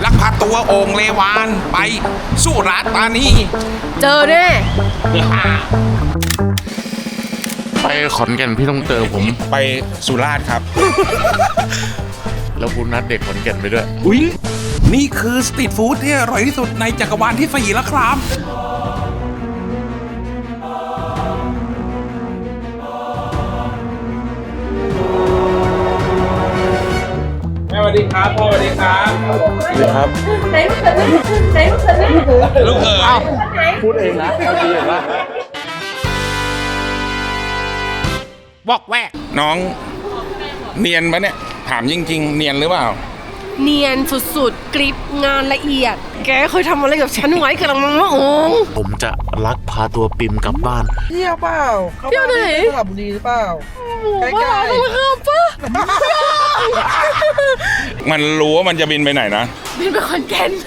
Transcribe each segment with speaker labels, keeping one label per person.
Speaker 1: ลักพาตัวโอ่งเลวานไปสุราษฎร์ธานี
Speaker 2: เจอแน่
Speaker 3: ไปขอนแก่นพี่ต้องเจอผม
Speaker 1: ไปสุราษฎร์ครับ
Speaker 3: แล้วคุณนัดเด็กขอนแก่นไปด้วย
Speaker 1: อุ๊ยนี่คือสตรีทฟู้ดที่อร่อยที่สุดในจักรวาลที่4แล้วครับแม่สวัสดีครับพ่อสวัสดีครับ
Speaker 3: สวัสดีครับ
Speaker 2: ไหนลูกเขยไหนลูกเขยแม่
Speaker 1: ลูกเอ๋ย
Speaker 3: พูดเองนะเอาดีเห็นปะ
Speaker 1: บอกแวกน้องเนียนปะเนี่ยถามจริงๆ เนียนหรือเปล่า
Speaker 2: เนียนสุดๆกริปงานละเอียด แกเคยทำอะไรกับฉันไว้กำลังมังมะโอง
Speaker 3: ผมจะลักพาตัวปิมกลับบ้าน
Speaker 4: เที่ยวเปล่า
Speaker 2: เที่ยวไหน
Speaker 4: สระบุรีหรือเปล่า ใกล้
Speaker 2: บ้า
Speaker 4: ๆ
Speaker 2: ต้องข้ามปะ
Speaker 1: มันรู้ว่ามันจะบินไปไหนนะ
Speaker 2: บินไปขอนแก่น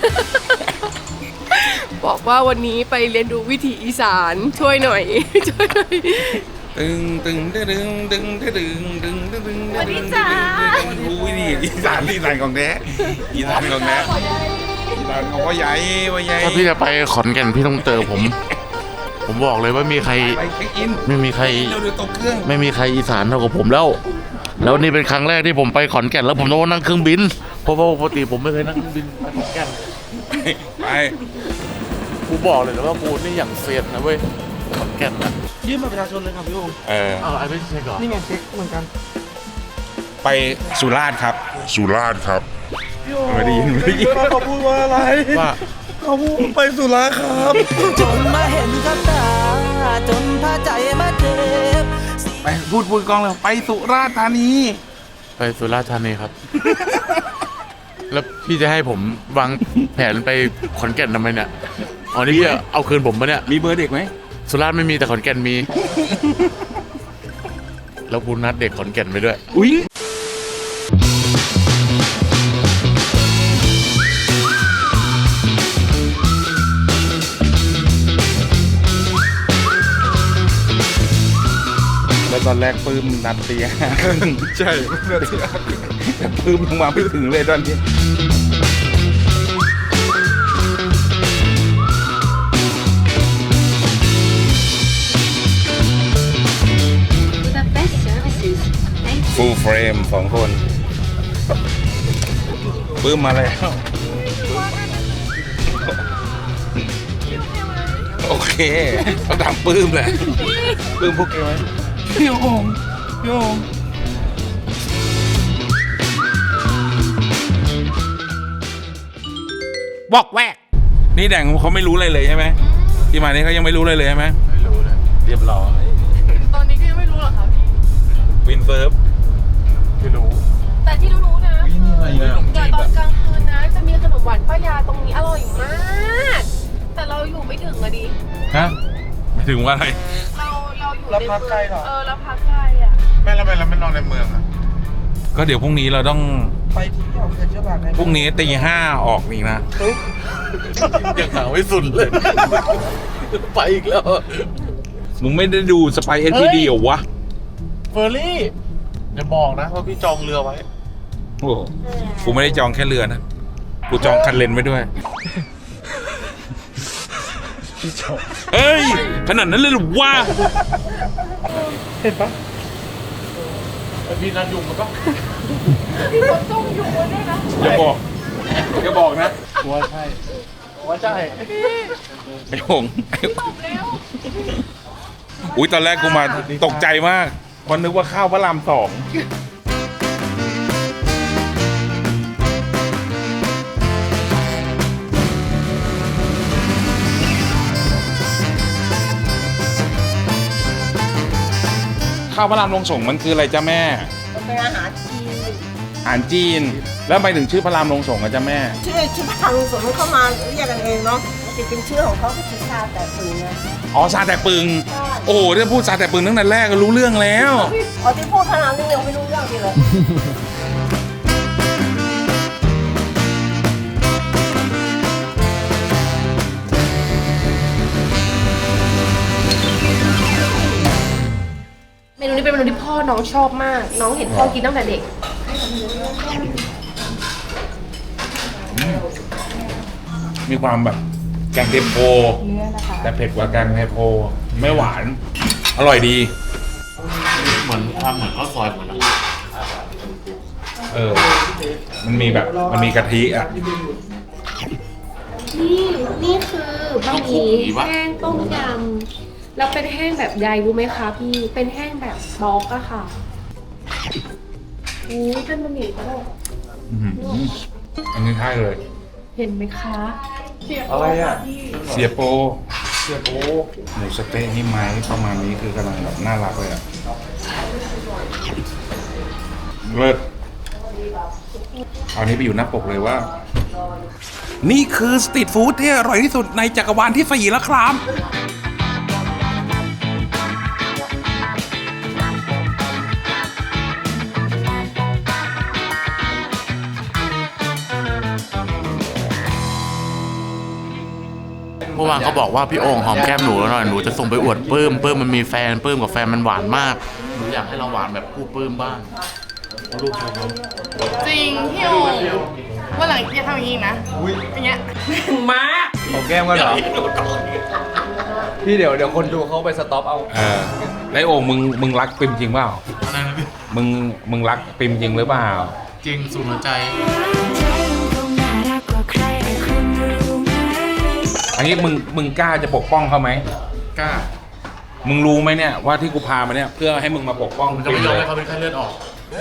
Speaker 2: บอกว่าวันนี้ไปเรียนดูวิถีอีสานช่วยหน่อย ช่วยหน่อย
Speaker 1: ตึงตึงตึงตึงตึงตึงตึงตึงตึงตึง
Speaker 2: สวัสดีจ้า
Speaker 1: อุ้ยนี่อีสานของแท้อีสานของแท้อีสานของพ่อใหญ่พ่อใหญ่
Speaker 3: ถ้าพี่จะไปขอนแก่นพี่ต้องเจอผม ผมบอกเลยว่ามีใคร
Speaker 1: ไปเช็คอิน
Speaker 3: ไม่มีใคร
Speaker 1: เราดูตกเครื่อง
Speaker 3: ไม่มีใครอีสานเท่ากับผมแล้ว แล้วนี่เป็นครั้งแรกที่ผมไปขอนแก่นแล้วผมต้องนั่งเครื่องบิน เพราะว่าปกติผมไม่เคยนั่งเครื่องบินไปขอนแก่น
Speaker 1: ไป
Speaker 3: กูบอกเลยนะว่ากูนี่อย่างเซียนนะเว้ยขอนแก่นนะ
Speaker 4: ยื่นบัตรประชาชนเลยครับพี่โองค์
Speaker 3: เอาไอ้ไม่ใช่ก่อน
Speaker 4: นี่ไงเช็คเหมือนกัน
Speaker 1: ไปสุราษฎร์ครับ
Speaker 5: สุราษฎร์ครับ
Speaker 4: พี่โองค์
Speaker 1: ไม่ได้ยิน
Speaker 4: เขาพูดว่าอะไร
Speaker 3: ว่า
Speaker 4: เขาพูดไปสุราครับ
Speaker 6: จนมาเห็นกับตาจนพาใจมาเจ็บ
Speaker 1: ไปพูดกองเลยไปสุราษฎร์ธานี
Speaker 3: ไปสุราษฎร์ธานีครับ แล้วพี่จะให้ผมวางแผนไปขอนแก่นทำไมเนี่ยอ๋อนี่พี่เอาคืนผมปะเนี่ย
Speaker 1: มีเบอร์เด็กไหม
Speaker 3: สุราษฎร์ไม่มีแต่ขอนแก่นมี แล้วคุณนัดเด็กขอนแก่นไปด้วย
Speaker 1: อุ้ยแล้วตอนแรกปื้มนัดตีห้าใช่แต่ปื้มลงมาไม่ถึงเลยตอนนี้
Speaker 7: The best services. Thank you.
Speaker 1: ฟูลเฟรม2 คนปื้มมาแล้ว โอเคต้องถามปื้มแหละปื้มพวกแกไหมพี่โอ่งพี่โอ่งบอกแวกนี่แดงเขาไม่รู้อะไรเลยใช่ไหมที่มานี่เขายังไม่รู้อะไรเลยใช่ไหม
Speaker 3: ไม่รู้เลยเรียบร้อย
Speaker 2: ตอนนี้ก็ยังไม่รู้หรอคะพี่
Speaker 1: วินเซิร์ฟ
Speaker 3: ไม่รู้
Speaker 2: แต่ที่รู้ๆนะ
Speaker 1: อะไรนะ
Speaker 2: เดี๋ยวตอนกลางคืนนะจะมีขนมหวานป้ายาตรงนี้อร่อยมาก แต่เราอยู่ไม่ถึงอะดิ
Speaker 1: ฮะไม่ถึงว่าอะไร
Speaker 2: เราอยู่
Speaker 4: เราพักไกลเหรอ
Speaker 2: เราพักไกลอะ
Speaker 3: ไม่แล้วเราไม่นอนในเมืองอ่ะ
Speaker 1: ก็เดี๋ยวพรุ่งนี้เราต้อง
Speaker 4: ไปเที่ยวเซ็นทรัลพาร์คได้ไหม
Speaker 1: พรุ่งนี้ตี 5ออกอีกนะ
Speaker 3: ยังหาไม่สุดเลย ไปอีกแล้ว
Speaker 1: มึงไม่ได้ดูสไปเอสพีดีเหรอวะ
Speaker 3: เฟอร์รี่อย่าบอกนะว่าพี่จองเรือไว้
Speaker 1: โอ้โหกูไม่ได้จองแค่เรือนะ กูจองคันเลนไว้ด้วย เอ้ย ขนาดนั้นเลยเหรอวะ
Speaker 4: เห็นปะ
Speaker 3: พี่นัดยุงมันก็
Speaker 1: อย่าบอกอย่าบอกนะ
Speaker 3: ว่าใช่ว่าใช่
Speaker 1: ไอ้หงอุ้ยตอนแรกกูมาตกใจมากเพราะนึกว่าข้าวพระราม2ข้าวพระรามลงส่งมันคืออะไรจ้าแม่
Speaker 4: มันเป็นอาหารจีน
Speaker 1: อาหารจีน แล้วไปถึงชื่อพระรามลงส่งอะจ้าแม่
Speaker 4: ชื่อทางสวนมันเข้ามาเรียกกันเองเนาะจริงๆชื่อของเขาก็คือชาแต่ปืนนะ
Speaker 1: อ๋อซาแต่ปึง โอ้โหถ้าพูดซาแต่ปึงตั้งแต่แรกก็รู้เรื่องแล้ว
Speaker 4: อ๋อที่พูดขนาดนี้ยังไม่รู้เรื่องทีเลย
Speaker 2: เมนูนี้เป็นเมนูที่พ่อน้องชอบมาก น้องเห็นพ่อกินตั้งแต่เด็ก
Speaker 1: อมีความแบบแกงเทมโพแต่เผ็ดกว่าแกงเทมโพไม่หวาน อร่อยดี
Speaker 3: เหมือนทำเหมือนข้าวซอยเหมือนกัน
Speaker 1: มันมีแบบมันมีกะทิอ่ะ
Speaker 2: นี่คือบะหมี่แห้งต้มยำแล้วเป็นแห้งแบบใยรู้ไหมคะพี่ เป็นแห้งแบบบล็อกอะค่ะอุ้ยเป็นบะหมี่ก็ได้
Speaker 1: อันนี้ใช่เลย
Speaker 2: เห็นไหมคะ
Speaker 1: อะไรอ่ะ เสียโปหมูสะเต๊ะนี่ไหมประมาณนี้คือกำลังแบบน่ารักเลยอ่ะเลิศเอานี้ไปอยู่หน้าปกเลยว่า นี่คือสตรีทฟู้ดที่อร่อยที่สุดในจักรวาลที่4แล้วครับ
Speaker 3: เมื่อวานเขาบอกว่าพี่โอ่งหอมแก้มหนูแล้วหน่อยหนูจะส่งไปอวดปื้มมันมีแฟนปื้มกับแฟนมันหวานมากหนูอยากให้เราหวานแบบคู่ปื้มบ้างเอาลูกชมเขา
Speaker 5: จริงพี่โอ่งวันหลังอย่าทำอย่างนี้นะอย่างเงี้ย
Speaker 8: ของแก้มกันเหรอ พี่เดี๋ยวคนดูเขาไปสต็อปเอา
Speaker 1: แล้วโอ่งมึงรักปิมจริงเปล่า
Speaker 3: อะไรนะพี่
Speaker 1: มึงรักปิมจริงหรือเปล่า
Speaker 3: จริงสุดหัวใจ
Speaker 1: อันนี้มึงกล้าจะปกป้องเขาไหม
Speaker 3: กล้า
Speaker 1: มึงรู้ไหมเนี่ยว่าที่กูพามาเนี่ยเพื่อให้มึงมาปกป้อง
Speaker 3: ผมจะไม่ยอมให้เขาเป็นไข้เลือดออก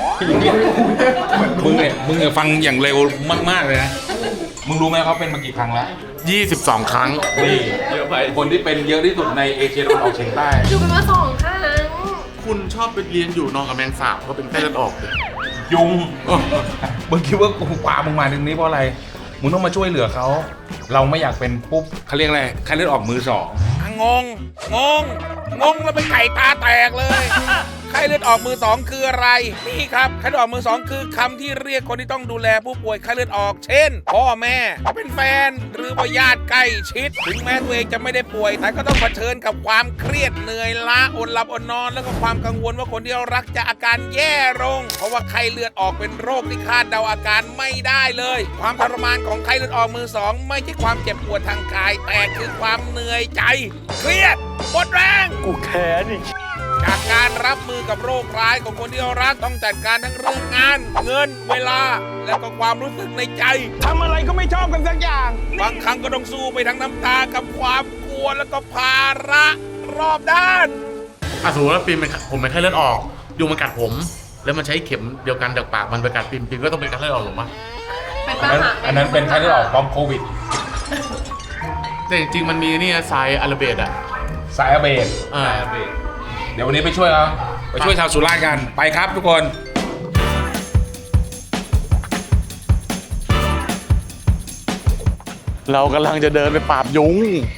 Speaker 1: มึงเนี่ยฟังอย่างเร็วมากๆเลยนะ มึงรู้ไหมเขาเป็นมากี่ครั้งแล้ว
Speaker 3: 22 ครั้ง
Speaker 1: นี่เยอะไปคนที่เป็นเยอะที่สุดในเอเชียตะวันออกเฉียงใต้
Speaker 2: อยู่กันมา2 ครั้ง
Speaker 3: คุณชอบไปเรียนอยู่นอนกับแมงสาบเขาเป็นไข้เลือดออกเลย
Speaker 1: ยุง มึงคิดว่ากูพามึงมาถึงนี้เพราะอะไร มึงต้องมาช่วยเหลือเขา เราไม่อยากเป็นปุ๊บเขาเรียกอะไรไข้เลือดออกมือสองงงแล้วเป็นไก่ตาแตกเลย ไข้เลือดออกมือสองคืออะไร นี่ครับไข้เลือดออกมือสองคือคำที่เรียกคนที่ต้องดูแลผู้ป่วยไข้เลือดออก เช่น พ่อแม่เป็นแฟนหรือว่าญาติใกล้ชิด ถึงแม้ตัวเองจะไม่ได้ป่วย แต่ก็ต้องเผชิญกับความเครียดเหนื่อยล้าอดหลับอดนอน แล้วก็ความกังวลว่าคนที่เรารักจะอาการแย่ลง เพราะว่าไข้เลือดออกเป็นโรคที่คาดเดาอาการไม่ได้เลย ความทรมานของไข้เลือดออกมือสองไม่ใช่ความเจ็บปวดทางกาย แต่คือความเหนื่อยใจ เครียดหมดแรงกูแค้นจากการรับมือกับโรคร้ายของคนที่เรารักต้องจัดการทั้งเรื่องงาน เงินเวลา และก็ความรู้สึกในใจทำอะไรก็ไม่ชอบกันสักอย่างบางครั้งก็ต้องสู้ไปทั้งน้ำตากับความกลัวแล้วก็ภาระรอบด้าน
Speaker 3: สมมติว่าผมเป็นไข้เลือดออกยุงมันกัดผม แล้วมันใช้เข็มเดียวกันจากปากมันไปกัดปิมก็ต้องเป็นไข้เลือดออกหรือเปล่า
Speaker 1: อันนั้นเป็นไข้เลือดออกพร้อมโควิด
Speaker 3: แต่จริงๆมันมีนี่ไซอาราเบดอ่ะ
Speaker 1: สายอาเบดเดี๋ยววันนี้ไปช่วยเขาไปช่วยชาวสุราษฎร์กันไปครับทุกคน
Speaker 3: เรากำลังจะเดินไปปราบยุง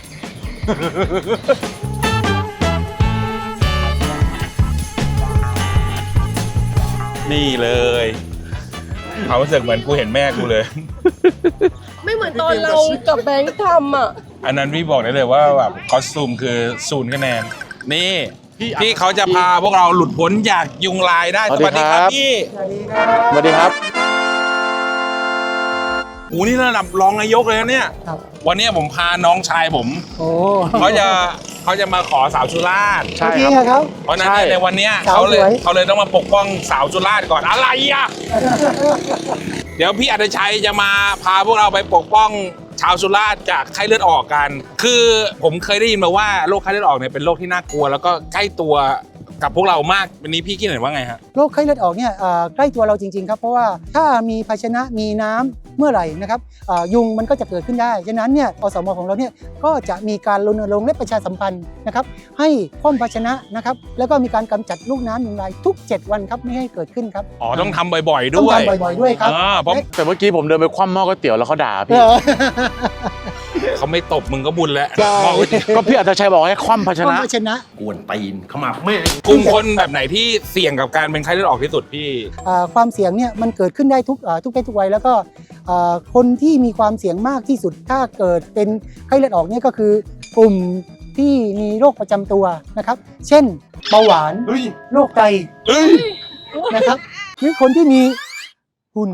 Speaker 1: นี่เลยเขารู้สึกเหมือนกูเห็นแม่กูเลย
Speaker 2: ไม่เหมือนตอนเรากับแบงค์ทำอ่ะ
Speaker 1: อันนั้นพี่บอกได้เลยว่าแบบคอสตูมคือ0 คะแนนนี่พี่เขาจะพาพวกเราหลุดพ้นจากยุงลายได้
Speaker 3: สวัสดีครับ
Speaker 1: พี่
Speaker 3: สวัสดีครับ
Speaker 1: โอ้นี่ระดับรองนายกเลยนะเนี่ยวันนี้ผมพาน้องชายผมเขาจะมาขอสาวสุราษฎร์
Speaker 3: ใช่ครับ
Speaker 1: เพราะฉะนั้นเนี่ยในวันเนี้ยเขาเลยต้องมาปกป้องสาวสุราษฎร์ก่อนอะไรอ่ะ เดี๋ยวพี่อัตชัยจะมาพาพวกเราไปปกป้องชาวสุราษฎร์จากไข้เลือดออกกัน คือผมเคยได้ยินมาว่าโรคไข้เลือดออกเนี่ยเป็นโรคที่น่ากลัวแล้วก็ใกล้ตัวกับพวกเรามากวันนี้พี่คิดเห็นว่าไงฮะ
Speaker 9: โรคไข้เลือดออกเนี่ยใกล้ตัวเราจริงๆครับเพราะว่าถ้ามีภาชนะมีน้ำเมื่อไหร่นะครับยุงมันก็จะเกิดขึ้นได้ฉะนั้นเนี่ยอสมของเราเนี่ยก็จะมีการรณรงค์และประชาสัมพันธ์นะครับให้คว่ำภาชนะนะครับแล้วก็มีการกำจัดลูกน้ำยุงลายทุก7 วันครับไม่ให้เกิดขึ้นครับ
Speaker 1: อ๋อต้องทำบ่อยๆ
Speaker 9: ต้อง
Speaker 1: ด้วย
Speaker 9: ทำบ่อยๆด้วยครับ
Speaker 1: เพราะ
Speaker 3: แต่เมื่อกี้ผมเดินไปคว่ำหม้อก๋วยเตี๋ยวแล้วเขาด่าพี่
Speaker 1: เขาไม่ตบมึงก็บุญแล้ว
Speaker 9: ใช่
Speaker 3: ก็พี่อัตชัยบอกให้คว่ำภาช
Speaker 9: คว่ำ
Speaker 3: นะ
Speaker 9: ภาชนะ
Speaker 8: กวนตีนเข้ามาแม่
Speaker 1: กลุ่มคนแบบไหนที่เสี่ยงกับการเป็นไข้เลือดออกที่สุดพี่
Speaker 9: ความเสี่ยงเนี่ยมันเกิดขึ้นได้ทุกเพศทุกวัยแล้วก็คนที่มีความเสี่ยงมากที่สุดถ้าเกิดเป็นไข้เลือดออกเนี่ยก็คือกลุ่มที่มีโรคประจำตัวนะครับเช่นเบาหวานโรคไตนะครับหรือคนที่มีหุ่น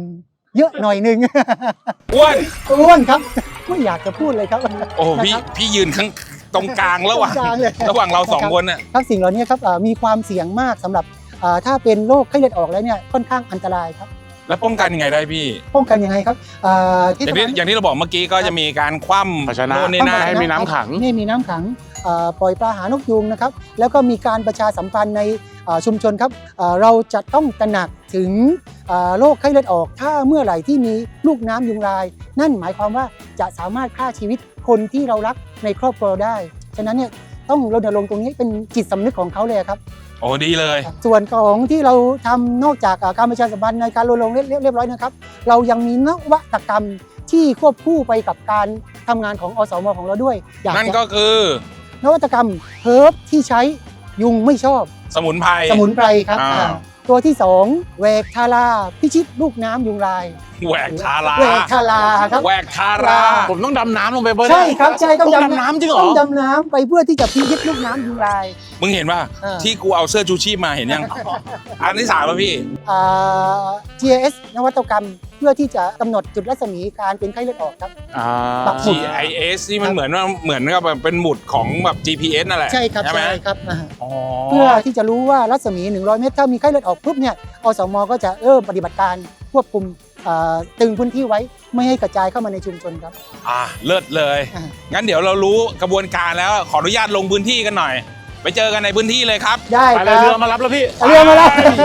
Speaker 9: เยอะหน่อยหนึง
Speaker 1: อ้วน
Speaker 9: อ้วนครับไม่อยากจะพูดเลยครับ
Speaker 1: โอ้พี่
Speaker 9: นะครับ
Speaker 1: พี่ยืนข้างตรงกลางระหว่าง
Speaker 9: ตรงกลางเลย
Speaker 1: ระหว่างเราสองคนน่ะ
Speaker 9: ครับสิ่งเหล่านี้ครับมีความเสี่ยงมากสำหรับถ้าเป็นโรคไข้เลือดออกแล้วเนี่ยค่อนข้างอันตรายครับ
Speaker 1: แล้วป้องกันยังไงได้พี่
Speaker 9: ป้องกันยังไงครับ
Speaker 1: อย่างที่เราบอกเมื่อกี้ก็จะมีการคว่ำ
Speaker 3: ภาชนะ
Speaker 1: โน่นนี่นั่น
Speaker 3: ให้มีน้ำขัง
Speaker 9: นี่มีน้ำขังปล่อยปลาหานกยูงนะครับแล้วก็มีการประชาสัมพันธ์ในชุมชนครับเราจะต้องตระหนักถึงโรคไข้เลือดออกถ้าเมื่อไหร่ที่มีลูกน้ำยุงลาย นั่นหมายความว่าจะสามารถฆ่าชีวิตคนที่เรารักในครอบครัวเราได้ฉะนั้นเนี่ยต้องรณรงค์ตรงนี้เป็นจิตสำนึกของเขาเลยครับ
Speaker 1: โอ้ดีเลย
Speaker 9: ส่วนของที่เราทำนอกจากการประชาสัมพันธ์ในการรณรงค์เรียบร้อยนะครับเรายังมีนวัตกรรมที่ควบคู่ไปกับการทำงานของอสมของเราด้วยอยาก
Speaker 1: นั่น
Speaker 9: จะ
Speaker 1: ก็คือน
Speaker 9: วัตกรรมเฮิร์บที่ใช้ยุงไม่ชอบ
Speaker 1: สมุนไพร
Speaker 9: สมุนไพรครับ ตัวที่2แหวกทาราพิชิตลูกน้ำยุงลาย
Speaker 1: แหวกทารา
Speaker 9: แหวกทาราครับ
Speaker 1: แหวกทารา
Speaker 3: ผมต้องดำน้ำลงไปเบิ้ล
Speaker 9: ใช่ครับใช่ต้อง
Speaker 3: ดำน้ำจริงเหรอ
Speaker 9: ต้องดำน้ำไปเพื่อที่จะพิชิตลูกน้ำยุงลาย
Speaker 1: มึงเห็นป่ะ
Speaker 9: อ่า
Speaker 1: ที่กูเอาเสื้อชูชีพมาเห็นยัง อันที่สามแล้วพี่
Speaker 9: GIS นวัตกรรมเพื่อที่จะกำหนดจุดรัศมีการเป็นไข้เลือดออกครับ ปักหมุด
Speaker 1: GIS นี่มันเหมือนกับแบบเป็นหมุดของแบบ GPS นั่นแหละ
Speaker 9: ใช่ครับ
Speaker 1: ไหม
Speaker 9: ใช่ครับ
Speaker 1: อ๋อ
Speaker 9: เพื่อที่จะรู้ว่ารัศมี100 เมตรถ้ามีไข้เลือดออกปุ๊บเนี่ยอสมก็จะเริ่มปฏิบัติการควบคุมตึงพื้นที่ไว้ไม่ให้กระจายเข้ามาในชุมชนครับ
Speaker 1: เลิศเลย
Speaker 9: อ่า
Speaker 1: งั้นเดี๋ยวเรารู้กระบวนการแล้วขออนุญาตลงพื้นที่กันหน่อย ไปเจอกันในพื้นที่เลยครับ
Speaker 9: ได้
Speaker 3: ไป
Speaker 9: ค
Speaker 3: เลย
Speaker 9: รับ
Speaker 3: เรือมารับแล้วพี่
Speaker 9: เรือมาแล้ว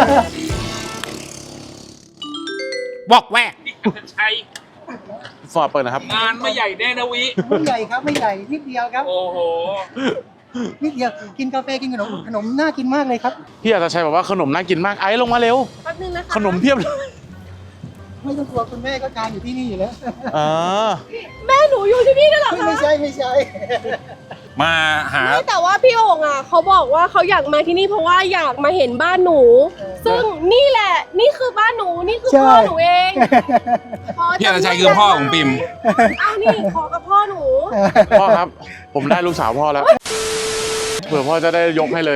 Speaker 1: บอกแวกใช่
Speaker 3: ฟอร์ดเปิดนะครับ
Speaker 1: งานไม่ใหญ่แน่นะวิ
Speaker 9: ไม่ใหญ่ครับไม่ใหญ่นิดเดียวครับ
Speaker 1: โอ้โห
Speaker 9: นิดเดียวกินกาแฟกินขนมน่ากินมากเลยครับ
Speaker 3: พี่อาจจะชัยบอกว่าขนมน่ากินมากไอ้ลงมาเร็ว
Speaker 5: แป๊บนึงนะคะ
Speaker 3: ขนมเพียบเลย
Speaker 9: ไม่ต้องกลัวคุณแม่ก็ทานอยู่ที่นี่อยู่แล้ว
Speaker 5: แม่หนูอยู่ที่นี่ด้วยเหรอคะ
Speaker 9: ไม่ใช่ไม่ใช่
Speaker 1: มาหา
Speaker 5: ไม่แต่ว่าพี่โอ่งอ่ะเขาบอกว่าเขาอยากมาที่นี่เพราะว่าอยากมาเห็นบ้านหนู ซึ่งนี่แหละนี่คือบ้านหนูนี่คือพ่อหนูเอง
Speaker 1: พี่อาจารย์ชัยคือพ่อของปิม
Speaker 5: อ้าวนี่ขอกับพ่อหนู
Speaker 3: พ่อครับ ผมได้ลูกสาวพ่อแล้ว เผื่อพ่อจะได้ยกให้เลย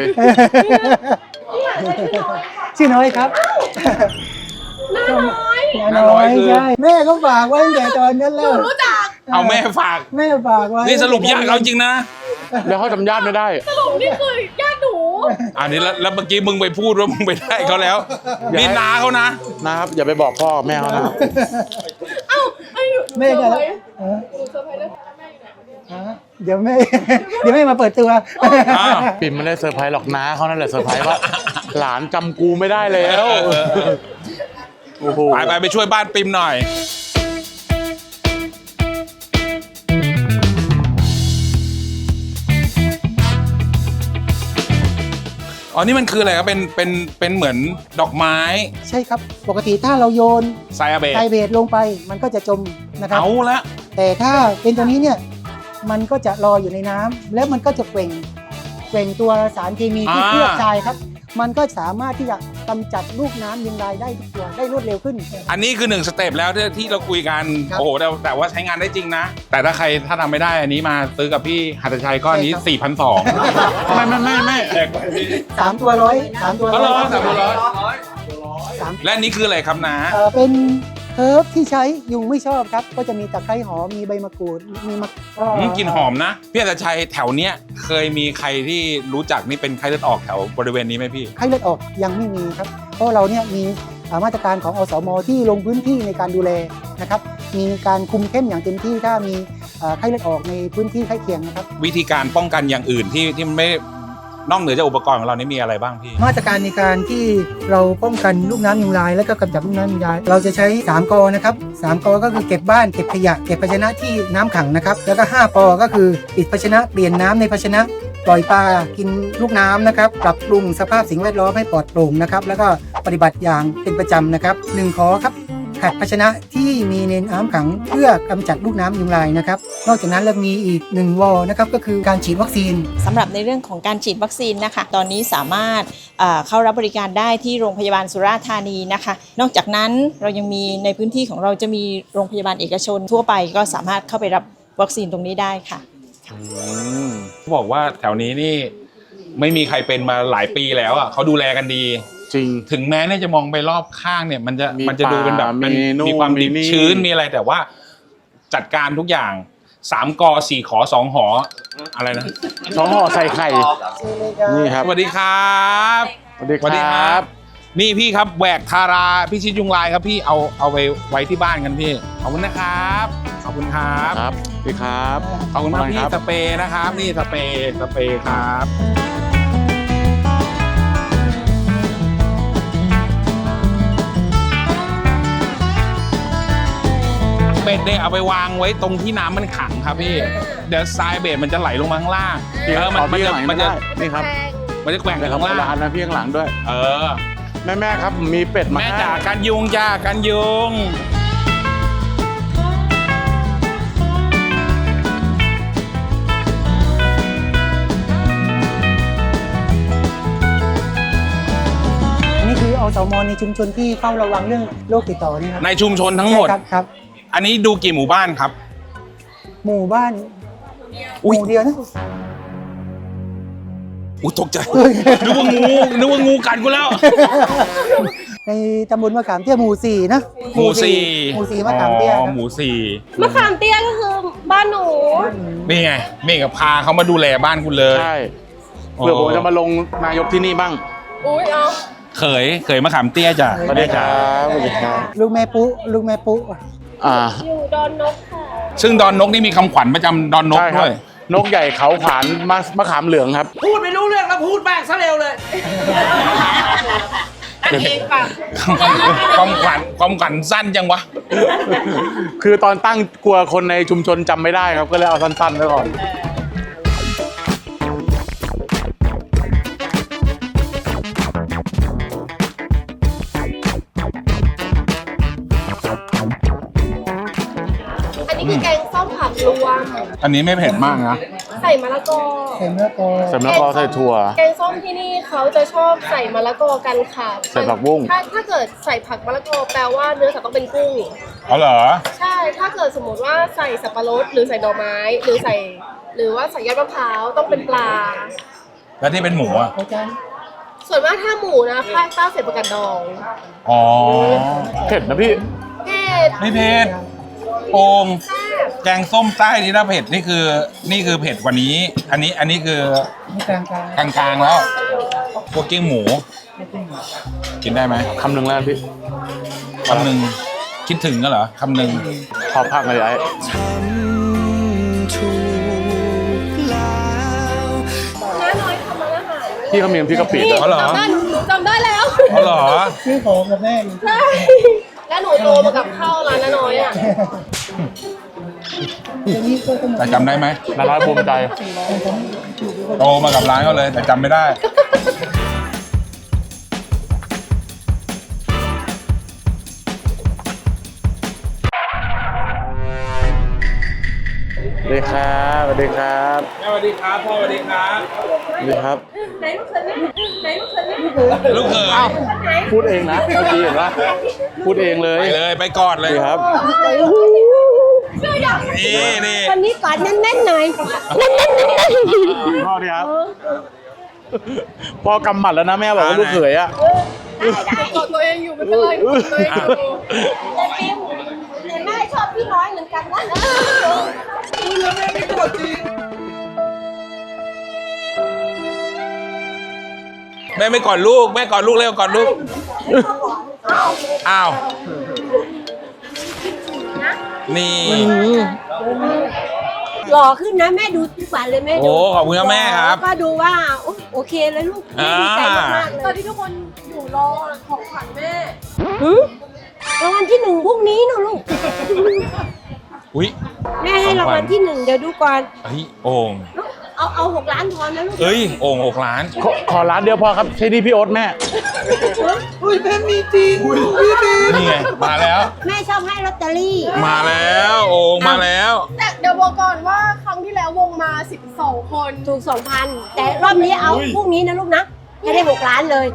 Speaker 9: ชื่อน้อยครับ
Speaker 5: น้าน้อย
Speaker 9: น้อยใช่แม่ก็ฝากไว้ตั้งแต่ตอนนั้นแล้ว
Speaker 5: รู้จัก
Speaker 1: เอาแม่ฝาก
Speaker 9: แม่ฝากไว้
Speaker 1: นี่สรุปญาติเขาจริงนะ
Speaker 3: แล้วเขาจำญาติไม่ได้
Speaker 5: สรุปนี่คือญาติหนู
Speaker 1: อันนี้แล้วเมื่อกี้มึงไปพูดว่ามึงไปได้เขาแล้ว
Speaker 3: อย่าให้
Speaker 1: นี่นาเขานะ
Speaker 3: นะครับ อย่าไปบอกพ่อกับแม่เขานะ
Speaker 5: เอ้าไอ้
Speaker 9: แม่
Speaker 5: เซอ
Speaker 9: ก็
Speaker 5: ร์ไพรส์
Speaker 9: เออ
Speaker 5: หนูเซอร์ไพรส์ด้วยแม่อยู่ไหน
Speaker 9: เดี๋ยวแม่ เดี๋ยวแม่มาเปิดตัว
Speaker 1: อ้าว
Speaker 3: ปิ่มไม่ได้เซอร์ไพรส์หรอกน้าเขานั่นแหละเซอร์ไพรส์ว่า หลานจำกูไม่ได้แล้ว โอ้โห
Speaker 1: ไปช่วยบ้านปิมหน่อย อ๋อ นี่มันคืออะไรครับ เป็นเหมือนดอกไม้
Speaker 9: ใช่ครับ ปกติถ้าเราโยน
Speaker 1: ไซอาเบต
Speaker 9: ไทเบตลงไปมันก็จะจมนะครับ
Speaker 1: เอาละ
Speaker 9: แต่ถ้าเป็นตัวนี้เนี่ยมันก็จะลอยอยู่ในน้ำแล้วมันก็จะเกว่งตัวสารเคมีที่เคลือบทรายครับ มันก็สามารถที่จะกำจัดลูกน้ำยุงลายได้ทุกตัวได้รวดเร็วขึ้น
Speaker 1: อันนี้คือ1สเต็ปแล้วที่เราคุยกัน
Speaker 9: ครับ
Speaker 1: โอ้โหแต่ว่าใช้งานได้จริงนะ แต่ถ้าใครถ้าทำไม่ได้อันนี้มาซื้อกับพี่หัตถชัยก็อันนี้ 4,200
Speaker 3: ไม่
Speaker 9: 3 ตัวร้อย3 ตัว
Speaker 1: อ๋อเหรอ3ตัวร้อย
Speaker 9: สาม
Speaker 1: และอันนี้คืออะไรครับนะ
Speaker 9: เป็นเฮิร์บที่ใช้ยุงไม่ชอบครับ ก็จะมีตะไคร้หอมมีใบมะกรูดมีมะ
Speaker 1: กลิ่นหอมนะ พี่หัตถชัยแถวเนี้ยเคยมีใครที่รู้จักนี่เป็นไข้เลือดออกแถวบริเวณนี้ไหมพี่
Speaker 9: ไข้เลือดออกยังไม่มีครับ เพราะเราเนี่ยมีมาตรการของอสมที่ลงพื้นที่ในการดูแลนะครับ มีการคุมเข้มอย่างเต็มที่ถ้ามีไข้เลือดออกในพื้นที่ใกล้เคียงนะครับ
Speaker 1: วิธีการป้องกันอย่างอื่นที่ไม่นอกเหนือจากอุปกรณ์ของเรานี่มีอะไรบ้างพี่
Speaker 9: มาตรการในการที่เราป้องกันลูกน้ำยุงลายและก็กำจัดลูกน้ำยุงลายเราจะใช้3 กอนะครับ3 กอก็คือเก็บบ้านเก็บขยะเก็บภาชนะที่น้ำขังนะครับแล้วก็5 ปอก็คือปิดภาชนะเปลี่ยนน้ำในภาชนะปล่อยปลากินลูกน้ำนะครับปรับปรุงสภาพสิ่งแวดล้อมให้ปลอดโปร่งนะครับแล้วก็ปฏิบัติอย่างเป็นประจำนะครับ1 ขอครับขัดภาชนะที่มีในน้ำขังเพื่อกำจัดลูกน้ำยุงลายนะครับนอกจากนั้นเรามีอีก1 วอนะครับก็คือการฉีดวัคซีน
Speaker 10: สำหรับในเรื่องของการฉีดวัคซีนนะคะตอนนี้สามารถเข้ารับบริการได้ที่โรงพยาบาลสุราษฎร์ธานีนะคะนอกจากนั้นเรายังมีในพื้นที่ของเราจะมีโรงพยาบาลเอกชนทั่วไปก็สามารถเข้าไปรับวัคซีนตรงนี้ได้ค่ะ
Speaker 1: บอกว่าแถวนี้นี่ไม่มีใครเป็นมาหลายปีแล้วอ่ะเขาดูแลกันดี
Speaker 3: จริง
Speaker 1: ถึงแม้เนี่ยจะมองไปรอบข้างเนี่ยมันจะ
Speaker 3: มี
Speaker 1: ดูเป็นแบบ
Speaker 3: ป่า
Speaker 1: มัน
Speaker 3: มีนู่น
Speaker 1: มีความดิบ
Speaker 3: มีนี่
Speaker 1: ชื้นมีอะไรแต่ว่าจัดการทุกอย่าง3 กอ 4 ขอ 2 หออะไรนะ
Speaker 3: น้องห่อใส่ไข่นี่ครับ
Speaker 1: สวัสดีครับ
Speaker 3: สวัสดีครับ
Speaker 1: นี่พี่ครับแหวกทาราพิชิตยุงลายครับพี่เอาไปไว้ที่บ้านกันพี่ขอบคุณนะครับขอบคุณครับ
Speaker 3: ครับพี่ครับ
Speaker 1: ขอบคุณมากพี่
Speaker 3: ครับ
Speaker 1: สเปรย์นะครับ นี่สเปรย์ครับเบ็ดเนี่ยเอาไปวางไว้ตรงที่น้ำมันขังครับพี่เดี๋ยวทรายเบ็ดมันจะไหลลงมาข้างล่างมันจะ
Speaker 3: นี่ครับ
Speaker 1: มันจะแกว่งไป
Speaker 3: แต่
Speaker 1: ข้าง
Speaker 3: ละ
Speaker 1: ล่าง
Speaker 3: ร้านนะพี่ข้างหลังด้วย
Speaker 1: เออ
Speaker 3: แม่ครับมีเป็ดมา
Speaker 1: แม่
Speaker 3: ให้
Speaker 1: จ๋ากันยุงจ้ากันยุง
Speaker 9: นี่คืออสมในชุมชนที่เฝ้าระวังเรื่องโรคติดต่อนี่ครับ
Speaker 1: ในชุมชนทั้งหมด
Speaker 9: ใช่ครับ
Speaker 1: อันนี้ดูกี่หมู่บ้านครับ
Speaker 9: หมู่บ้าน
Speaker 1: อุ๊ย
Speaker 9: หมู่เดียวนะ
Speaker 1: อุ้ยตกใจ นึกว่างูกัดกูแล้ว
Speaker 9: ในตำบลมะขามเตี้ยหมู่ 4 นะ
Speaker 1: หมู่สี่
Speaker 9: หมู่ 4มะขามเตี้ย
Speaker 1: อ๋อ
Speaker 9: ครับ
Speaker 1: หมู่สี่
Speaker 5: มะขามเตี้ยก็คือบ้านหนู
Speaker 1: นี่ไงเมฆกับพาเขามาดูแลบ้านคุณเลย
Speaker 3: ใช่เผื่อผมจะมาลงนายกที่นี่บ้าง
Speaker 5: อุ้ยเอา
Speaker 1: เขยมะขามเตี้ยจ้ะ
Speaker 3: สวัสดีครับสวัสดีครับ
Speaker 9: ลูกแม่ปุ๊
Speaker 5: อยู่ดอนนกค่ะ
Speaker 1: ซึ่งดอนนกนี่มีคำขวัญประจำดอนนก
Speaker 3: ใช่ครับ
Speaker 1: ด้วย
Speaker 3: นกใหญ่เขาขวานมะขามเหลืองครับ
Speaker 4: พูดไม่รู้เรื่องแล้วพูดแบกซะเร็วเลยอันเองป่ะ
Speaker 1: ความขวัญสั้นจังวะ
Speaker 3: คือตอนตั้งกลัวคนในชุมชนจำไม่ได้ครับก็เลยเอาสั้นๆไว้ก่อน
Speaker 5: อันนี้คือแกงส้มผักรวม
Speaker 1: อันนี้ไม่เผ็ดมากนะ
Speaker 5: ใส่มะละกอ
Speaker 9: ใส่มะละกอ
Speaker 3: ใส่มะละกอใส่ถั่ว
Speaker 5: แกงส้มที่นี่เขาจะชอบใส่มะละกอกันค่ะ
Speaker 3: ใส่ผักบุ้ง
Speaker 5: ถ้าเกิดใส่ผักมะละกอแปลว่าเนื้อสัตว์ต้องเป็นกุ้ง
Speaker 1: เอาเหรอ
Speaker 5: ใช่ ถ้าเกิดสมมติว่าใส่สับปะรดหรือใส่ดอกไม้ หรือว่าใส่ยอดมะพร้าวต้องเป็นปลา
Speaker 1: แล้วที่เป็นหมูอ่ะ
Speaker 5: ส่วนมากถ้าหมูนะภาคใต้ใส่ประกาศดอง
Speaker 1: อ๋อ
Speaker 3: เผ็ดนะพี่
Speaker 5: เผ็ด
Speaker 1: ไม่เผ็ดโอ่งแกงส้มใต้นี่ถ้าเผ็ดนี่คือเผ็ดกว่านี้ อันนี้คือ
Speaker 9: นี่กลาง
Speaker 1: กลางๆแล้วพวกกิ้งหมู กินได้ไหม
Speaker 3: คำหนึ่งแล้วพี่
Speaker 1: คำหนึ่งคิดถึงก็เหรอคำหนึ่ง
Speaker 3: ขอพักหน่อยไอ้
Speaker 5: น้าน้อยทำร้านอาหาร
Speaker 3: พี่เขามีน้ำพริกกะปิด้วย
Speaker 1: อ๋อเหรอ
Speaker 5: หนูจำได้แล้ว
Speaker 1: อ๋อเหรอ
Speaker 9: ๆซื้อของกับแม่อยู่
Speaker 5: ใช่ แล้วหนูโตมากับข้าวร้านน้าน้อยอ่ะ
Speaker 9: เดี๋ยวนี้ก็ต้อง
Speaker 1: แต่จำได้ไหม
Speaker 3: น่ารักภูมิใจ
Speaker 1: โตมากับร้านเขาเลย แต่จำไม่ได้
Speaker 3: สวัสดีครับสวัสดีครับ
Speaker 1: สวัสดีครับพ่อสวัสดีครับ
Speaker 3: สวัสดีครับ
Speaker 5: ไหนลูกเขยแม่ไหนลูกเขยแม่
Speaker 1: ลูกเขย
Speaker 3: พูดเองนะเมื่อกี้เห็นปะพูดเองเลย
Speaker 1: ไปเลยไปกอดเลย
Speaker 3: ดีครับ
Speaker 1: นี่
Speaker 5: วันนี้กอดแน่นๆหน่อยแน่น
Speaker 3: พ่อดีครับ พ่อกำหมัดแล้วนะแม่บอกว่าลูกเขยอ่ะ
Speaker 5: ๆกอดตัวเองอยู่ไม่เป็นไรกอดตัวเองอยู่แต่ฟิวแต่แม่ชอบพี่น้อยเหมือนกันนะ
Speaker 1: แม่ไม่กอดลูกแม่กอดลูกเร็วกอดลูกอ้าวนี่
Speaker 2: หล่อขึ้นนะแม่ดูทุกวันเลยแม่ดู
Speaker 1: โอ้ขอบคุณครับแม่ครับ
Speaker 2: ก็ดูว่าโอเคเลยลูก
Speaker 1: อ่า
Speaker 2: ดีใจมากๆเลย
Speaker 5: ตอนที่ทุกคนอยู่รอของขวัญแม่
Speaker 2: รางวัลที่ 1พรุ่งนี้นะลูก
Speaker 1: อุ้ย
Speaker 2: แม่ให้รางวัลที่ 1เดี๋ยวดูก่อน
Speaker 1: เฮ้ยโอ่ง
Speaker 2: เอา6 ล้านพอนะลูก
Speaker 1: เอ้ยโอ่ง6 ล้าน
Speaker 3: ขอร้านเดียวพอครับใช่นี่พี่โอ๊ตแม่
Speaker 1: นี่ไงมาแล้ว
Speaker 2: แม่ชอบให้ลอตเตอรี่
Speaker 1: มาแล้วโอ่งมาแล้ว
Speaker 5: แต่เดี๋ยวบอกก่อนว่าครั้งที่แล้ววงมา12 คน
Speaker 2: ถูก 2,000 แต่รอบนี้เอาพรุ่งนี้นะลูกนะให้ได้6 ล้านเลย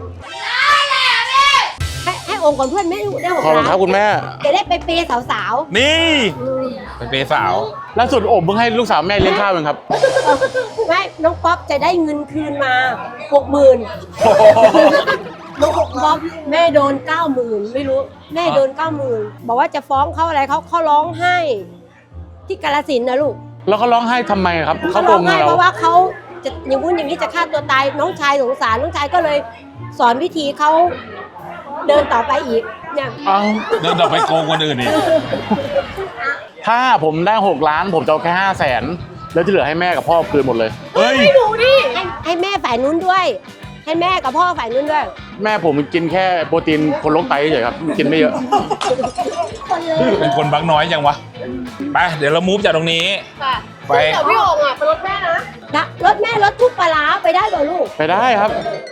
Speaker 2: ให้องค์ก่อนเพื่อนแม่ลูกได้
Speaker 3: ขอบ
Speaker 2: 6
Speaker 3: คุณ
Speaker 2: ล้าน
Speaker 3: ครับคุณแม่
Speaker 2: จะได้ไปเปย์สาว
Speaker 1: นี่เป็นเปย์สาว
Speaker 3: ล่าสุดโอบเพิ่งให้ลูกสาวแม่เลี้ยงข้าวเองครับ
Speaker 2: ๆไม่น้องป๊อปจะได้เงินคืนมา 60,000
Speaker 4: บอกแม่โดน90,000ไม่รู้แม่โดน90,000บอกว่าจะฟ้องเขาอะไรเขาร้องไห้ที่กาฬสินธุ์นะลูก
Speaker 3: แล้วเขาร้องไห้ทำไมครับเขาโก
Speaker 4: ร้อง ง
Speaker 3: เงิ
Speaker 4: ไห้
Speaker 3: น
Speaker 4: เพ
Speaker 3: เรา
Speaker 4: ราะว่าเขาจะอย่างนู้นอย่างนี้จะฆ่าตัวตายน้องชายสงสารน้องชายก็เลยสอนวิธีเขาเดินต่อไปอีกเนี่ย
Speaker 3: เอ้า
Speaker 1: เดินต่อไปโกงคนอื่นอีก
Speaker 3: ถ้าผมได้6 ล้านผมจะเอาแค่500,000แล้วที่เหลือให้แม่กับพ่อคืนหมดเลย
Speaker 1: เฮ้ย
Speaker 4: ให้หนูดิให้แม่ฝ่ายนู้นด้วย ให้แม่กับพ่อฝ่ายนู้นด้วย
Speaker 3: แม่ผมกินแค่โปรตีนคนโรคไตเฉยๆครับกินไม่เยอะ
Speaker 1: เป็นคนบักน้อยจังวะ ไป เดี๋ยวเรามูฟจากตรงนี้ ไป
Speaker 5: เดี๋ยวพี่โอ่งอ่ะเป็นรถแม่นะ
Speaker 4: รถแม่รถทุกปลาร้าไปได้เหรอลูก
Speaker 3: ไปได้ครับ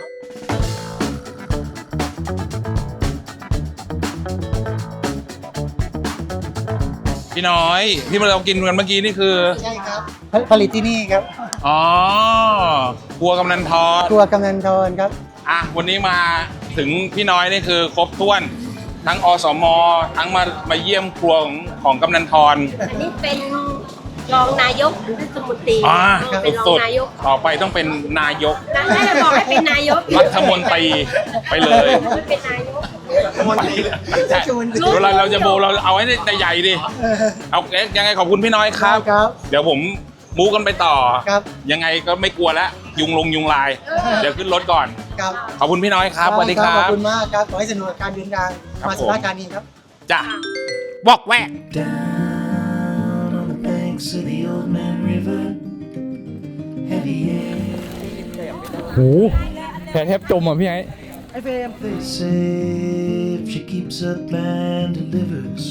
Speaker 1: พี่น้อยที่เรากินกันเมื่อกี้นี่คือ
Speaker 9: ใช่ครับผลิตที่นี่ครับ
Speaker 1: อ๋อครัวกำนันทอด
Speaker 9: ครัวกำนันทรครับ
Speaker 1: อ่ะวันนี้มาถึงพี่น้อยนี่คือครบถ้วน ทั้งอสม ทั้งมาเยี่ยมครัวของกำนันทร
Speaker 4: อันนี้เป็นรองนายกหรือสมุตรี
Speaker 1: อ่า
Speaker 4: เป็นรอ
Speaker 1: สุ
Speaker 4: ง
Speaker 1: ด
Speaker 4: นายก
Speaker 1: ๆต่อไปต้องเป็นนายก
Speaker 4: น่าจะบอกให้เป็นนายก
Speaker 1: รัฐมนตรีไปเลย
Speaker 4: ไม่เป็นนายก
Speaker 1: ใช่เวลาเราจะโบเราเอาให้ได้ใหญ่ดิเอายังไงขอบคุณพี่น้อยครับ
Speaker 9: ครับ
Speaker 1: เดี๋ยวผมมูกันไปต่อ
Speaker 9: ครับ
Speaker 1: ยังไงก็ไม่กลัวแล้วยุงลาย เดี๋ยวขึ้นรถก่อน
Speaker 9: ครับ
Speaker 1: ขอบคุณพี่น้อยครับสวัสดีครั
Speaker 9: ขอบบ คุณมากครับ ขอให้สนุกกับการเดินทาง
Speaker 1: ครับ
Speaker 9: มาสุราษฎร์ธานีครับ
Speaker 1: จ้ะบอกแวก
Speaker 6: Down on the banks of the old man river, heavy air.
Speaker 8: โหแผลแทบจมอ่ะพี่ไอ้
Speaker 6: They say if she keeps up and delivers,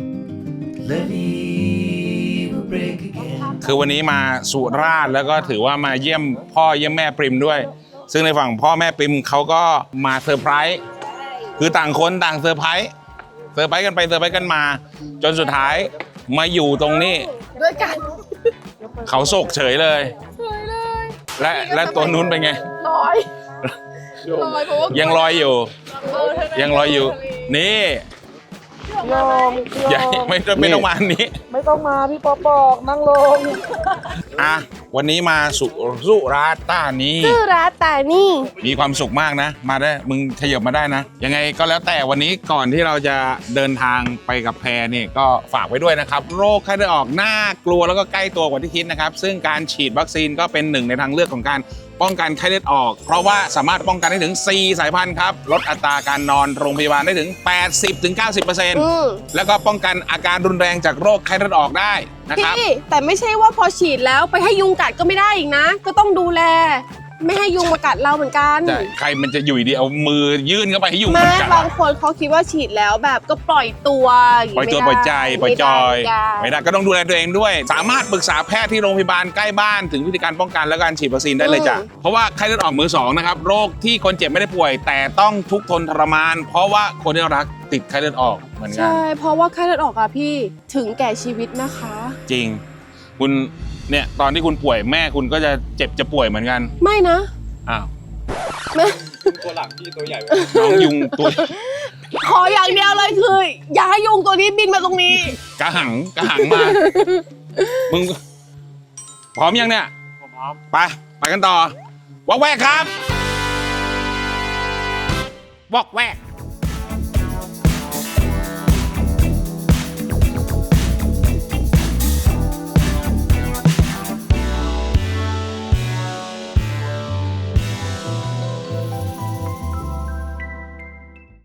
Speaker 6: levee will break again.
Speaker 1: คือวันนี้มาสุราษฎร์แล้วก็ถือว่ามาเยี่ยมพ่อเยี่ยมแม่ปริมด้วย ซึ่งในฝั่งพ่อแม่ปริมเขาก็มาเซอร์ไพรส์คือต่างคนต่างเซอร์ไพรส์กันไปเซอร์ไพรส์กันมา จนสุดท้ายมาอยู่ตรงนี้
Speaker 5: ด้วยกัน
Speaker 1: เขาโศกเฉยเลย และตัวนู้นเป็นไง
Speaker 5: ลอยเพราะว่า
Speaker 1: ยังลอยอยู่ ยังลอยอยู่ นี่
Speaker 5: ลง
Speaker 1: อย่าไม่ต้องมาอันนี้
Speaker 5: ไม่ต้องมาพี่ปอบอกนั่งลง
Speaker 1: อ่ะวันนี้มาสุราษฎร์ธานี
Speaker 5: ชื่อร้านแต่นี่
Speaker 1: มีความสุขมากนะ มาได้มึงขยับมาได้นะ ยังไงก็แล้วแต่วันนี้ก่อนที่เราจะเดินทางไปกับแพรเนี่ยก็ฝากไว้ด้วยนะครับ โรคไข้เลือดออกน่ากลัวแล้วก็ใกล้ตัวกว่าที่คิดนะครับ ซึ่งการฉีดวัคซีนก็เป็นหนึ่งในทางเลือกของการป้องกันไข้เลือดออก เพราะว่าสามารถป้องกันได้ถึง 4 สายพันธุ์ครับลดอัตราการนอนโรงพยาบาลได้ถึง 80-90% แล้วก็ป้องกันอาการรุนแรงจากโรคไข้เลือดออกได้นะครับ
Speaker 5: พี่แต่ไม่ใช่ว่าพอฉีดแล้วไปให้ยุงกัดก็ไม่ได้อีกนะ ก็ต้องดูแล ไม่ให้ยุงมากัดเราเหมือนกัน
Speaker 1: ใครมันจะอยู่ดีเอามือยื่นเข้าไปให้ยุง
Speaker 5: แม่
Speaker 1: มันกัด
Speaker 5: บางคนเขาคิดว่าฉีดแล้วแบบก็ปล่อยตัวาง
Speaker 1: ปล่อย
Speaker 5: งี้
Speaker 1: ตัว
Speaker 5: ไม่
Speaker 1: ปล่อย
Speaker 5: ได้
Speaker 1: ใจปล่อยจอย
Speaker 5: ไม่
Speaker 1: ไม่
Speaker 5: ได้
Speaker 1: ได้ก็ต้องดูแลตัวเองด้วย สามารถปรึกษาแพทย์ที่โรงพยาบาลใกล้บ้านถึงวิธีการป้องกันและการฉีดวัคซีนได้เลยจ้ะเพราะว่าไข้เลือดออกมือสองนะครับโรคที่คนเจ็บไม่ได้ป่วย แต่ต้องทุกข์ทนทรมาน เพราะว่าคนที่เรารักติดไข้เลือดออกเหมือนกัน
Speaker 5: ใช่เพราะว่าไข้เลือดออกอะพี่ถึงแก่ชีวิตนะคะ
Speaker 1: จริง คุณเนี่ยตอนที่คุณป่วยแม่คุณก็จะเจ็บจะป่วยเหมือนกัน
Speaker 5: ไม่นะ
Speaker 1: อ้าว
Speaker 5: แม่
Speaker 8: ตัวหลังพี่ตัวใหญ่
Speaker 1: น้องยุงตัว
Speaker 5: ขออย่างเดียวเลยคืออย่าให้ยุงตัวนี้บินมาตรงนี้
Speaker 1: กระหังมามึงพร้อมยังเนี่ยพร้อมไปกันต่อวอกแวกครับวอกแวก